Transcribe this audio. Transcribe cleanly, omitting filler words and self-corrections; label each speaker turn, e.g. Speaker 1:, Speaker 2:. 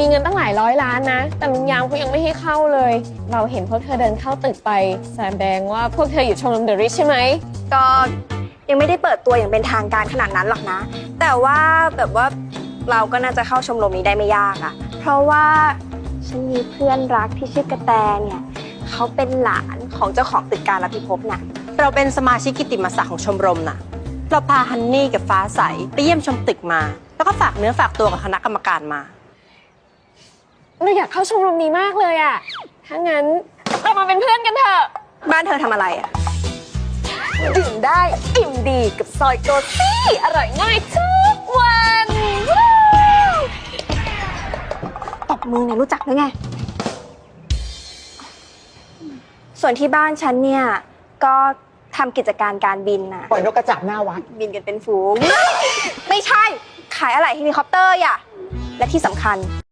Speaker 1: มีเงินตั้งหลายร้อยล้านนะแต่ลุงยามเขายังไม่ให้เข้าเลยเราเห็นพวกเธอเดินเข้าตึกไปแสดงว่าพวกเธออยู่ชมรมเดอะริชใช่ไหม
Speaker 2: ก็ยังไม่ได้เปิดตัวอย่างเป็นทางการขนาดนั้นหรอกนะแต่ว่าแบบว่าเราก็น่าจะเข้าชมรมนี้ได้ไม่ยากอะเพราะว่าฉันมีเพื่อนรักที่ชื่อกระแตเนี่ยเขาเป็นหลานของเจ้าของตึกการพิภพน่ะ
Speaker 3: เราเป็นสมาชิกกิตติมศักดิ์ของชมรมน่ะเราพาฮันนี่กับฟ้าใสไปเยี่ยมชมตึกมาแล้วก็ฝากเนื้อฝากตัวกับคณะกรรมการมา
Speaker 1: เราอยากเข้าชมรมนี้มากเลยอะถ้างั้นเรามาเป็นเพื่อนกันเถอะ
Speaker 2: บ้านเธอทำอะไรอะ
Speaker 1: ดื่มได้อิ่มดีกับซอยโกซี่อร่อยง่ายทุกวัน
Speaker 2: ตบมือเนี่ยรู้จักหรือไงส่วนที่บ้านฉันเนี่ยก็ทำกิจการการบินน่ะ
Speaker 4: ปล่อยนกกระจาบหน้าวัด
Speaker 2: บินกันเป็นฝูงไม่ใช่ขายอะไหล่เฮลิคอปเตอร์อ่ะและที่สำคัญ